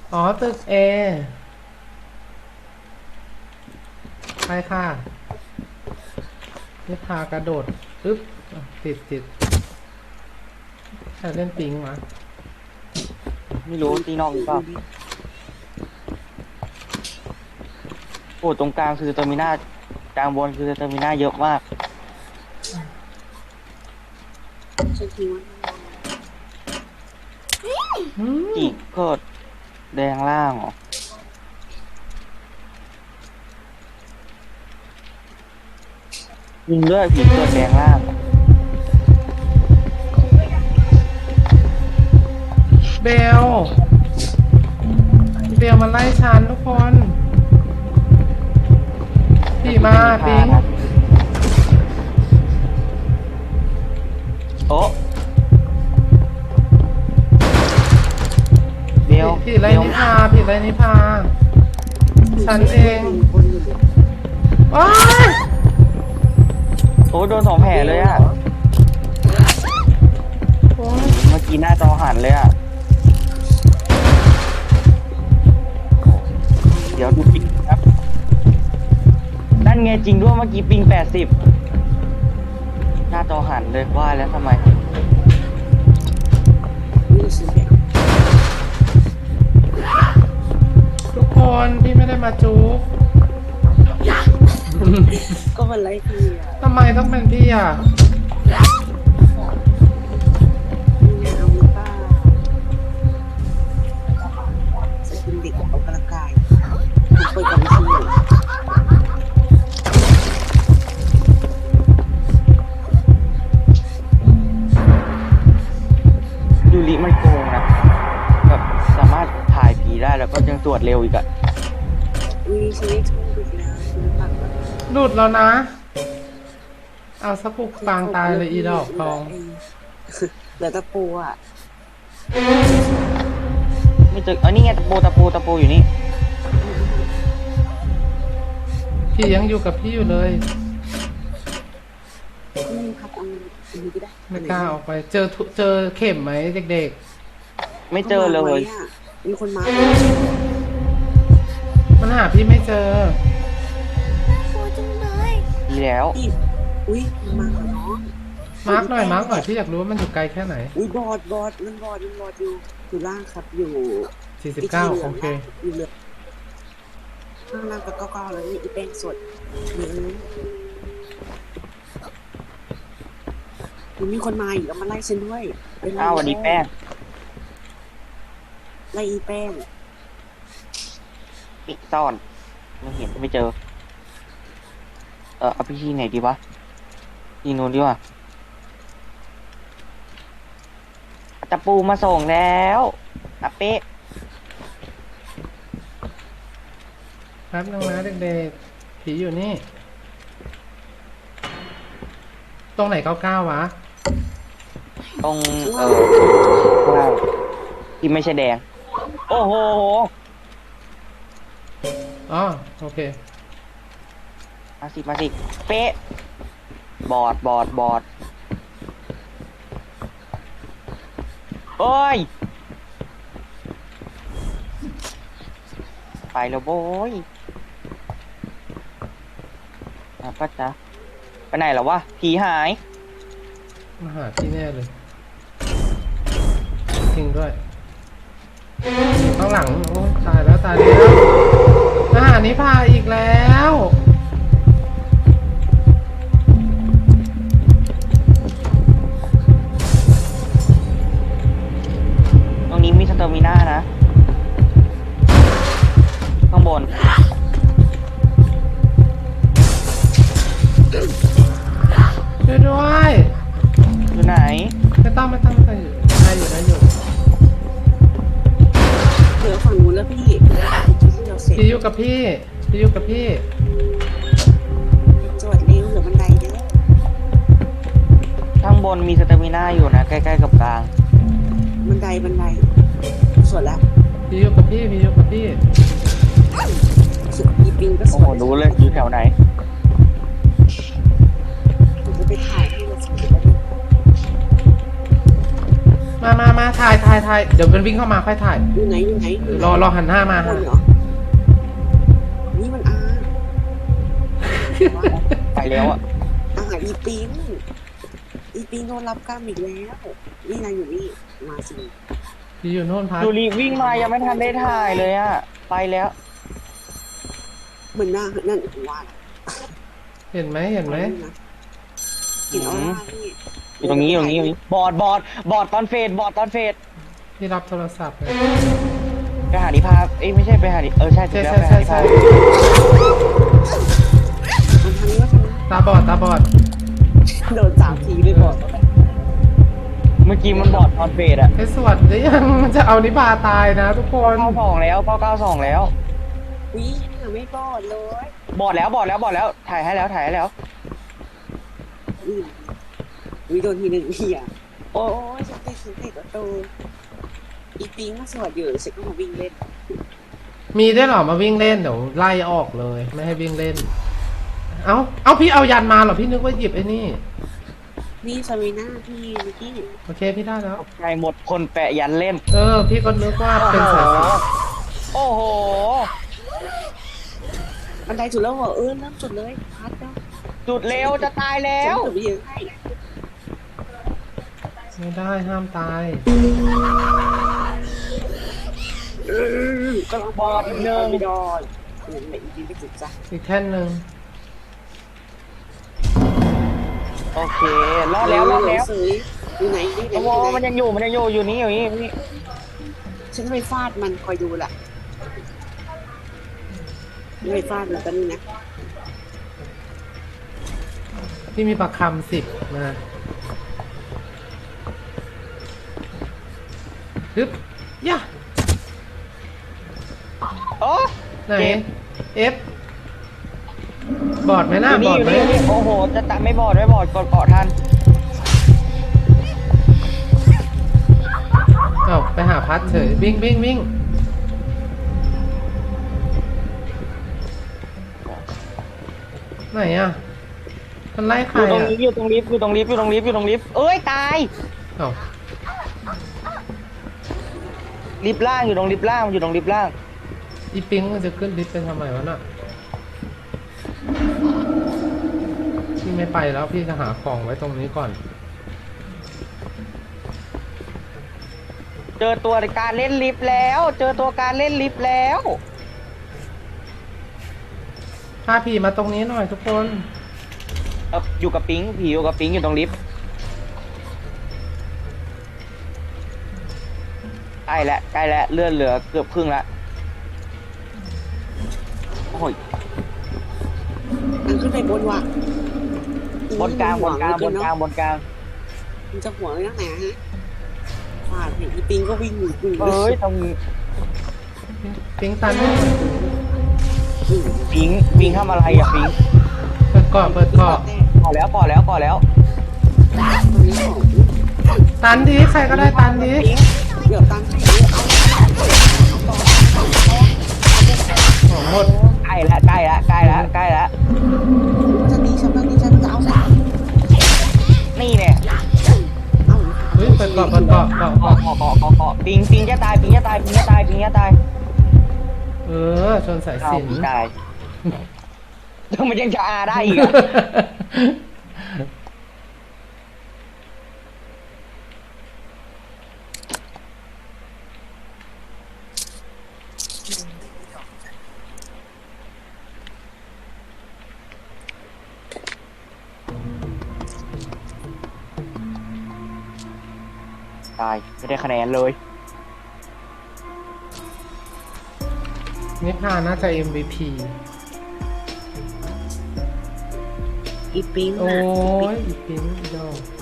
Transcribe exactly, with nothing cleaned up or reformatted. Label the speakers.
Speaker 1: อ๋อตึกเอไปค่ะนี่พากระโดดปึ๊บอ่ะติดติดใครเล่นปิงวะ
Speaker 2: ไม่รู้ตีนอกหรือเปล่าโอ้ตรงกลางคือเตอร์มินากลางบนคือเตอร์มินาเยอะมาก
Speaker 3: ฉันคิดว่า
Speaker 1: อืม
Speaker 2: อีกก็แดงล่างเหรอยิงด้วยผีเกิดแดงล่าง
Speaker 1: เบลเบลมาไล่ฉันทุกคนพี่มาปิง
Speaker 2: โอ้เบล
Speaker 1: ผิดอะไรนิพาผิดอะไรนิพาฉันเอง
Speaker 3: คนอยู่ดิ
Speaker 1: ว้าย
Speaker 2: โอ้โดนสองแผลเลยอะ
Speaker 1: โอ๊ย
Speaker 2: เมื่อกี้หน้าจอหันเลยอะเดี๋ยวดูปิงครับนั่นไงจริงด้วยเมื่อกี้ปิงแปดสิบหน้าจอหันเลยว่าแล้วทำไม
Speaker 3: นี่สิเนี่ย
Speaker 1: ทุกคนพี่ไม่ได้มาจุก
Speaker 3: ก็มันไล่พี่อ่ะ
Speaker 1: ทำไมต้องเป็นพี่อ่ะ
Speaker 3: นี่ไงเอามือป้าจะเป็นเด็กออกกำลังกายผมเปิดกับวิทยุ
Speaker 2: ยูริมันโกงนะแบบสามารถถ่ายผีได้แล้วก็ยังตรวจเร็วอีกอะ
Speaker 3: อุ้ยฉันได้ทุ่มไปแล้วฉันปักแล้ว
Speaker 1: หลุดแล้วนะ เอาสักปุกปางตายเลยอีดอกทอง
Speaker 3: เหลือตะปูอ่ะ
Speaker 2: ไม่เจอเออนี่ไงตะปูตะปูตะปูอยู่นี่
Speaker 1: พี่ยังอยู่กับพี่อยู่เลย
Speaker 3: นี่ครับเอาอันนี้ก็ได้
Speaker 1: ไม่กล้าออกไป เจอทุเจอเข็มไหมเด็ก
Speaker 2: ไม่เจอเลย
Speaker 3: มีคนมา
Speaker 1: ๆ มันหาพี่ไม่เจอ
Speaker 2: ดีแล้ว
Speaker 3: อีอุ้ยมันมาเหรอน้อง
Speaker 1: มาร์กหน่อยมาร์กหน่อยพี่อยากรู้ว่ามันอยู่ไกลแค่ไหน
Speaker 3: อุ้ยบอดบอดมันบอดมันบอดอยู่อยู่ล่างครับอยู่
Speaker 1: สี่สิบเก้าโอเค
Speaker 3: อยู่เหลือข้างล่างก็เก้าเก้าแล้วนี่อีแป้งสดเนื้อมันมีคนมาอีกแล้วมาไล่ฉันด้วยเป็นไล่
Speaker 2: อ้าวสวันนี้แป้ง
Speaker 3: ไล่อีแป้ง
Speaker 2: ปิดซ่อนไม่เห็นไม่เจอ เออเอาไปที่ไหนดีวะที่นู้นดีกว่าตะปูมาส่งแล้วอาเป๊ะ
Speaker 1: แป๊บนึงนะเด็กๆ ผีอยู่นี่ ตรงไหนเก้าเก้าวะ
Speaker 2: ตรงเออข้างที่ไม่ใช่แดง โอ้โห
Speaker 1: อ๋อโอเค
Speaker 2: มาสิ มาสิ เป๊ะ บอด บอด บอด โอ้ย ไปแล้วโว้ยอ่ะป้าจ๊ะไปไหนแล้ววะ ผีหาย
Speaker 1: มาหาพี่แน่เลยจริงด้วยข้างหลังโอ้ตายแล้วตายแล้วมาหานิพาอีกแล้ว
Speaker 2: ตรงนี้มีสเตอร์มิน่านะ ข้างบน
Speaker 1: ช่วยด้วย
Speaker 2: อยู่ไหน
Speaker 1: ไม่ต้องไม่ต้องไม่ต้องอยู่ได้อยู่ได้อยู่
Speaker 3: เหลือฝั่งนู้นแล้วพี่ที่เราเสร็จ
Speaker 1: พี่อยู่กับพี่พี่อยู่กับพี่
Speaker 3: จวดเร็วเหลือบันไดเด้อ
Speaker 2: ข้างบนมีสเตอร์มิน่าอยู่นะ ใกล้ๆกับกลาง
Speaker 3: บันไดบันไดสวดแล้ว
Speaker 1: พี่อยู่กับพี่พี่อยู่กับพี่
Speaker 3: สุดอีปิงก็ส
Speaker 2: โอ้
Speaker 3: ว
Speaker 2: โห
Speaker 3: ด
Speaker 2: รู้เลยอยู่แถวไหน
Speaker 3: ผมจะไปถ่ายให้เราสวด
Speaker 1: มามามาถ่ายถ่ายถ่ายเดี๋ยวมันวิ่งเข้ามาค่อยถ่าย
Speaker 3: อยู่ไหนอยู่ไหนอยู่ไหน
Speaker 1: รอรอหันหน้ามา
Speaker 3: ค
Speaker 1: ฮะ
Speaker 3: นเหรอนี่มันอา
Speaker 2: ไปแล้วอ่ะ
Speaker 3: อาหารอีปิงอีปิงโดนรับกรรมอีกแล้วนี่นายอยู่นี่มาสิ
Speaker 1: พี่อยู่โน่นพัด
Speaker 2: ดูรีวิ่งมายังไม่ทันได้ถ่ายเลยอ่ะไปแล้ว
Speaker 3: เหมือนหน้านั่นว่า
Speaker 1: เห็นไหมเห็นไหม
Speaker 3: เห็นออร่านี่
Speaker 2: อยู่ตรงนี้อยู่ตรงนี้อยู่ตรงนี้บอดบอดบอดตอนเฟดบอดตอนเฟด
Speaker 1: พี่รับโทรศัพท์เลย
Speaker 2: ไปหานิพาเอ้ยไม่ใช่ไปหานิเออใช่ถู
Speaker 1: ใช่
Speaker 2: กแล้ว
Speaker 1: ใช่
Speaker 2: ไป
Speaker 1: ใช่
Speaker 2: หานิ
Speaker 1: ใช่
Speaker 2: พา
Speaker 3: มันทางนี้ว่าทางนี้
Speaker 1: ตาบอดตาบอด
Speaker 3: โดนสามทีเลยก่อน
Speaker 2: เมื่อกี้มันบอดตอนเฟดอ่ะ
Speaker 1: ไอ้สวัสดียังมันจะเอานิพาตายนะทุกคน
Speaker 2: เก้าสองแล้วเก้าเก้าสองแล้ว
Speaker 3: วิ่งไม่บอดเลย
Speaker 2: บอดแล้วบอดแล้วบอดแล้วถ่ายให้แล้วถ่ายให้แล้ว
Speaker 3: นี่วิโดนทีหนึ่งเหี่ยโอ้ยฉันติดฉันติดประตูอีปิงมาสวดอยู่ฉันก็มาวิ่งเล่น
Speaker 1: มีได้วยเหรอมาวิ่งเล่นเดี๋ยวไล่ออกเลย ไม่ให้วิ่งเล่น เอาเอาพี่เอายันมาเหรอพี่นึกว่าหยิบไอ้นี่
Speaker 3: นี่ซารีน่าพี่เมื่อกี้
Speaker 1: โอเคพี่ได้แล้ว
Speaker 2: ใจหมดคนแปะยันเล่น
Speaker 1: เออ พี่ก็นึกว่าเป็นสายสิญจน์
Speaker 2: โอ้โห
Speaker 3: บันไดจุดแล้วเหรอเออเริ่มจุดเลยพัดแล้ว
Speaker 2: จุดเร็วจะตายแล้
Speaker 3: ฉัน
Speaker 2: ว
Speaker 3: จุดไปเยอะให้
Speaker 1: ไม่ได้ห้ามตาย
Speaker 3: ก็ลองบอดเนินไม่ดอนเหมือนอีปิงไปจุดจ้ะ
Speaker 1: อีกแท่นหนึ่ง
Speaker 2: โอเครอดแล้วรอดแล้ว
Speaker 3: ซื้ออยู่ไหนอยู่ไหน
Speaker 2: โอ้โหมันยังอยู่มันยังอยู่อยู่นี่อยู่นี่อยู่นี่
Speaker 3: ฉันไปฟาดมันคอยดูแหละไม่ฟาดมันก็นี่นะ
Speaker 1: พี่มีประคำสิบมาฮึบย่า
Speaker 2: โอ้
Speaker 1: ไหน
Speaker 2: เจ็บ
Speaker 1: เอฟบอดไหมหน้า
Speaker 2: อยู่
Speaker 1: บ
Speaker 2: นี่
Speaker 1: อ
Speaker 2: อ
Speaker 1: ด
Speaker 2: ยู่
Speaker 1: ไหม
Speaker 2: นี่อยู่นี่โอ้โหจะตะไม่บอดไม่บอดกดเกาะทัน
Speaker 1: เอ้าไปหาพัดเฉยวิ่งวิ่งวิ่งไหนอ่ะมันไล่ใค
Speaker 2: อ
Speaker 1: ร
Speaker 2: ยู่ตรง
Speaker 1: อ่ะ
Speaker 2: นี้อยู่ตรงลิฟต์อยู่ตรงลิฟต์อยู่ตรงลิฟต์อยู่ตรงลิฟต์เอ้ยตาย
Speaker 1: เอ้า
Speaker 2: ลิฟต์ล่างอยู่ตรงลิฟต์ล่างอยู่ตรงลิฟต์ล่าง
Speaker 1: อีปิงมันจะขึ้นลิฟต์ไปทำไมวะน่ะพี่ไม่ไปแล้วพี่จะหาของไว้ตรงนี้ก่อน
Speaker 2: เจอตัวการเล่นลิฟต์แล้ว เจอตัวการเล่นลิฟต์แล้ว
Speaker 1: พาผีมาตรงนี้หน่อยทุกคน
Speaker 2: เอ่ออยู่กับปิงผีอยู่กับปิงอยู่ตรงลิฟต์ใกล้แล้วใกล้แล้วเลื่อนเหลือเกือบครึ่งละโอ้ย
Speaker 3: มันขึ้นไปบนว่ะ
Speaker 2: บนกลางบนกลางบนกลางบนกลาง
Speaker 3: มันจะหัวไว้ตั้งไหนฮะฟาดเห็นอีปิงก็วิ่งหนีกู
Speaker 2: เอ้ยตรง
Speaker 1: ปิงตัน
Speaker 2: ปิงปิงทำอะไรอะปิง
Speaker 1: เปิดเกาะเปิดเกาะ
Speaker 2: ก่อแล้วก่อแล้วก่อแล้ว
Speaker 3: ตัวนี้ของ
Speaker 1: ตันดีใครก็ได้ตันดี
Speaker 3: เดี๋ยวตั้งให้เอา
Speaker 1: ของหมด
Speaker 2: ใกล้ละใกล้ละใกล้ละใกล้ละ
Speaker 3: จะตีฉันจะตีฉันจะเอาใส่
Speaker 2: นี่เนี่ย
Speaker 3: เอา
Speaker 1: เฮ้ยเปิดเกาะเปิดเกาะเกาะ
Speaker 2: เกาะ
Speaker 1: เกาะ
Speaker 2: เกาะเกาะเกาะปิงปิงจะตายปิงจะตายปิงจะตายปิงจะตาย
Speaker 1: เออชนสาย
Speaker 2: เอา
Speaker 1: สิญ
Speaker 2: ปิง
Speaker 1: จน์
Speaker 2: ตายแล้วมันยังจะอาได้อีกอะ ตายไม่ได้คะแนนเลย
Speaker 1: นิพาน่าจะ เอ็ม วี พี
Speaker 3: อีปิง
Speaker 1: โอ้
Speaker 3: นะ
Speaker 1: ยอีปิงอีดอก